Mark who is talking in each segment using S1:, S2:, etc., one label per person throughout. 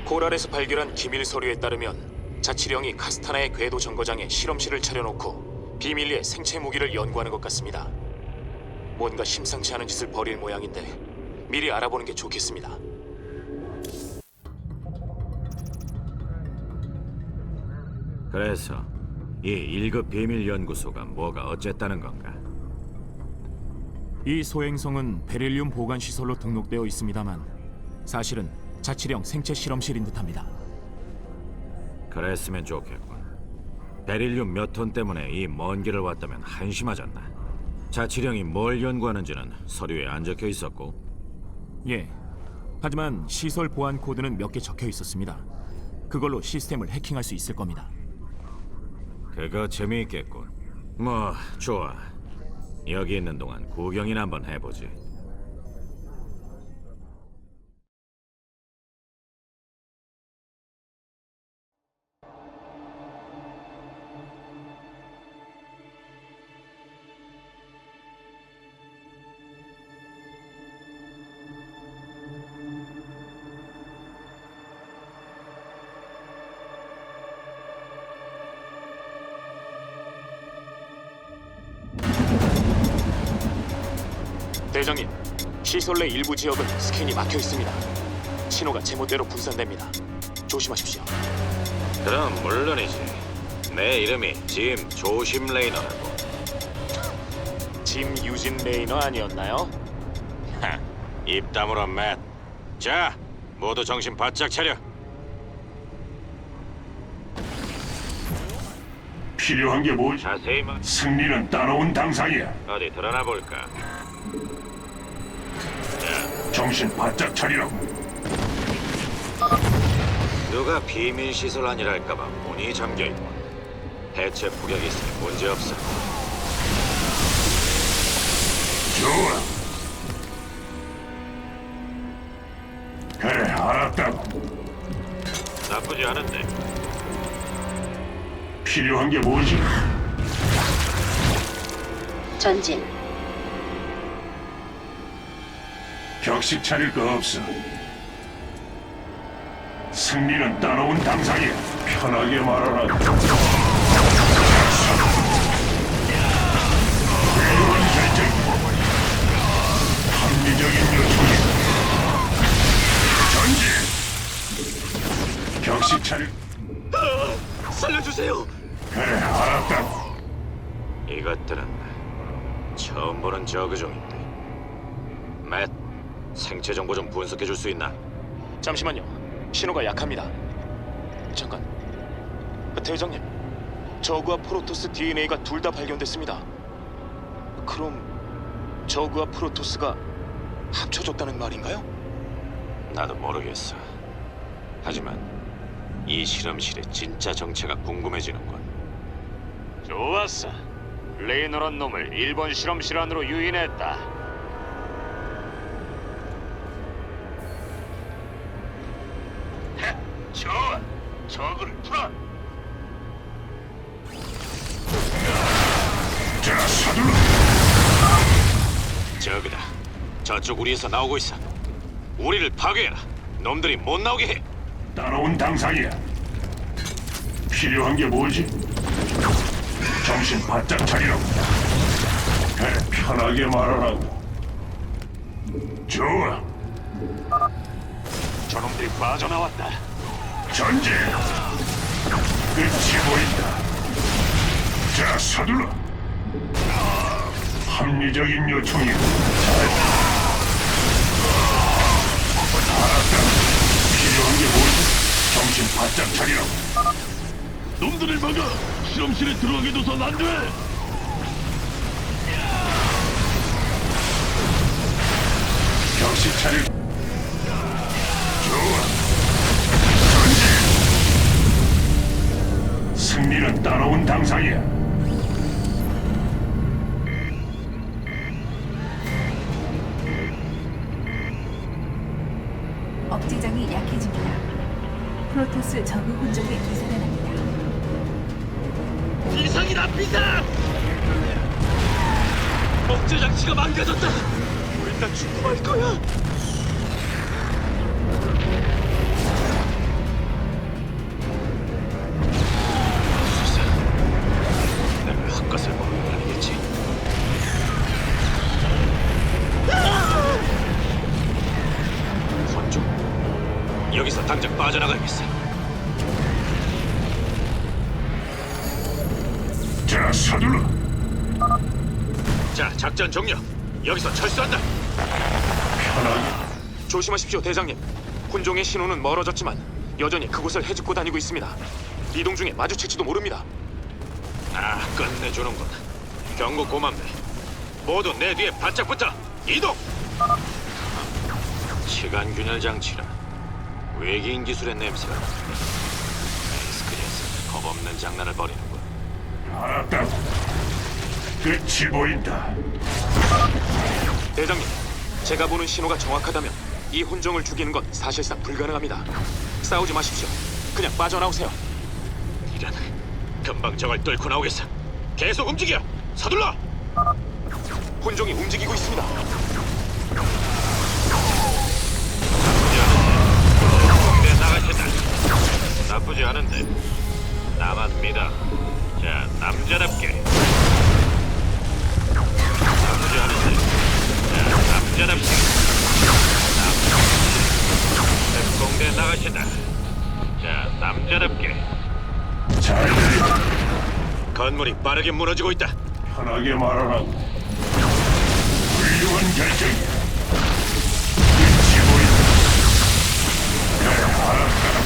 S1: 코랄에서 발견한 기밀 서류에 따르면 자치령이 카스타나의 궤도 정거장에 실험실을 차려놓고 비밀리에 생체 무기를 연구하는 것 같습니다. 뭔가 심상치 않은 짓을 벌일 모양인데 미리 알아보는 게 좋겠습니다.
S2: 그래서 이 1급 비밀 연구소가 뭐가 어쨌다는 건가?
S1: 이 소행성은 베릴륨 보관 시설로 등록되어 있습니다만 사실은 자치령 생체 실험실인 듯합니다.
S2: 그랬으면 좋겠군. 베릴륨 몇 톤 때문에 이 먼 길을 왔다면 한심하잖나. 자치령이 뭘 연구하는지는 서류에 안 적혀 있었고.
S1: 예. 하지만 시설 보안 코드는 몇 개 적혀 있었습니다. 그걸로 시스템을 해킹할 수 있을 겁니다.
S2: 그거 재미있겠군. 뭐 좋아. 여기 있는 동안 구경이나 한번 해보지.
S1: 대장님, 시설 내 일부 지역은 스캔이 막혀 있습니다. 신호가 제멋대로 분산됩니다. 조심하십시오.
S2: 그럼 물론이지. 내 이름이 짐 조심 레이너라고.
S1: 짐 유진 레이너 아니었나요?
S2: 하, 입 다물어 맷. 자, 모두 정신 바짝 차려.
S3: 필요한 게 뭐지?
S2: 자세히 말.
S3: 승리는 따라온 당상이야.
S2: 어디 드러나 볼까?
S3: 정신 바짝 차리라고.
S2: 누가 비밀 시설 아니랄까봐 문이 잠겨 있고. 해체 폭격이 있으니 문제 없어.
S3: 좋아. 그래, 알았다고.
S2: 나쁘지 않은데.
S3: 필요한 게 뭐지?
S4: 전진.
S3: 격식 차릴 거 없어. 승리는 따라온 당상이야. 편하게 말하라. 훌륭한 결정. 합리적인 요청이. 전진. 격식 차릴.
S1: 살려주세요.
S3: 그래, 알았다고.
S2: 이것들은 처음 보는 저그종인데. 맷, 생체 정보 좀 분석해 줄 수 있나?
S1: 잠시만요. 신호가 약합니다. 잠깐. 대장님, 저그와 프로토스 DNA가 둘 다 발견됐습니다. 그럼 저그와 프로토스가 합쳐졌다는 말인가요?
S2: 나도 모르겠어. 하지만 이 실험실의 진짜 정체가 궁금해지는군.
S5: 좋았어. 레이너란 놈을 일본 실험실 안으로 유인했다.
S3: 좋아. 저그를 풀어. 자, 서둘러.
S2: 저그다. 저쪽 우리에서 나오고 있어. 우리를 파괴해라. 놈들이 못 나오게 해.
S3: 따라온 당상이야. 필요한 게 뭐지? 정신 바짝 차리라고. 그래, 편하게 말하라고. 좋아.
S5: 저놈들이 빠져나왔다.
S3: 전진. 끝이 보인다. 자, 서둘러. 합리적인 요청이고. 알았다. 필요한 게 뭐지? 정신 바짝 차리라고.
S5: 놈들을 막아! 실험실에 들어가게 둬선 안 돼!
S3: 격식 차릴. 좋아. 전진. 승리는 따라온 당상이야.
S6: 억제장이 약해집니다. 프로토스 저그 혼종에 기사단합니다.
S5: 비상이다, 비상! 억제 장치가 망가졌다! 우린 다 죽고 말 거야!
S2: 여기서 당장 빠져나가야겠어.
S3: 자, 서둘러.
S2: 자, 작전 종료. 여기서 철수한다.
S3: 편하게.
S1: 조심하십시오, 대장님. 혼종의 신호는 멀어졌지만 여전히 그곳을 헤집고 다니고 있습니다. 이동 중에 마주칠지도 모릅니다.
S2: 아, 끝내주는군. 경고 고맙네. 모두 내 뒤에 바짝 붙어. 이동. 시간 균열 장치라. 외계인 기술의 냄새가. 스크리에서 겁없는 장난을 벌이는군.
S3: 알았다. 끝이 보인다.
S1: 대장님, 제가 보는 신호가 정확하다면 이 혼종을 죽이는 건 사실상 불가능합니다. 싸우지 마십시오. 그냥 빠져나오세요.
S2: 이런. 금방 저걸 뚫고 나오겠어. 계속 움직여. 서둘러.
S1: 혼종이 움직이고 있습니다.
S2: 내 나가신다. 나쁘지 않은데. 나만 믿어. 자, 남자답게. 나쁘지 않은데. 자, 남자답게. 공대 나가신다. 자, 남자답게.
S3: 잘 들린다.
S2: 건물이 빠르게 무너지고 있다.
S3: 편하게 말하라고. 훌륭한 결정이야. 끝이 보인다. 그래, 알았다.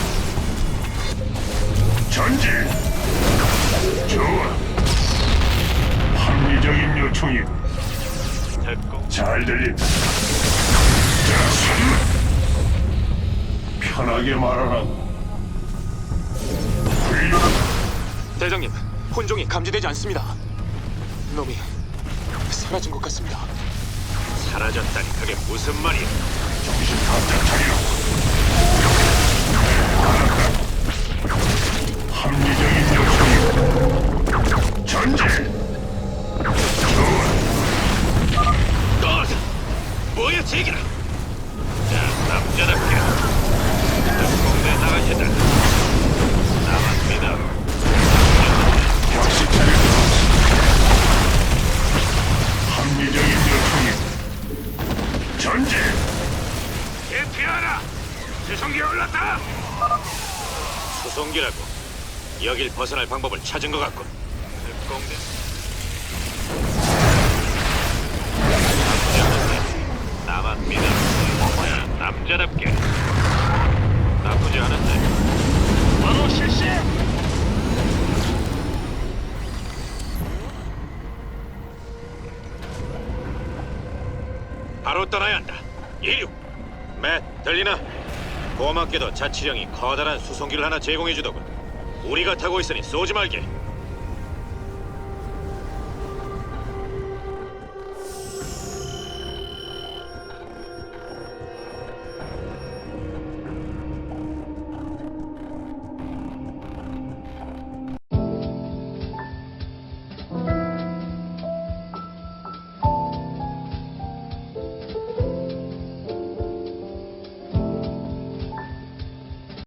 S3: 전진. 좋아. 합리적인 요청이
S2: 특공.
S3: 잘 들린다. 자, 서둘러. 편하게 말하라고. 훌륭한.
S1: 대장님, 혼종이 감지되지 않습니다. 놈이 사라진 것 같습니다.
S2: 사라졌다니 그게 무슨 말이야?
S3: 정신 바짝 차리라. 합리적인 요청이 전진. 좋아.
S2: 뭐야, 제기라. 자, 남자답게. 공대 나가신다. 나만 믿어.
S3: 역시 차리라. 합리적인 요청이 전진.
S2: 대피하라. 수송기에 올랐다. 수송기라고. 여길 벗어날 방법을 찾은 것 같군. 공대. 나만 믿어. 야, 남자답게. 나쁘지 않은데.
S5: 바로 실시.
S2: 바로 떠나야 한다. 이륙. 맷, 들리나? 고맙게도 자치령이 커다란 수송기를 하나 제공해주더군. 우리가 타고 있으니 쏘지 말게.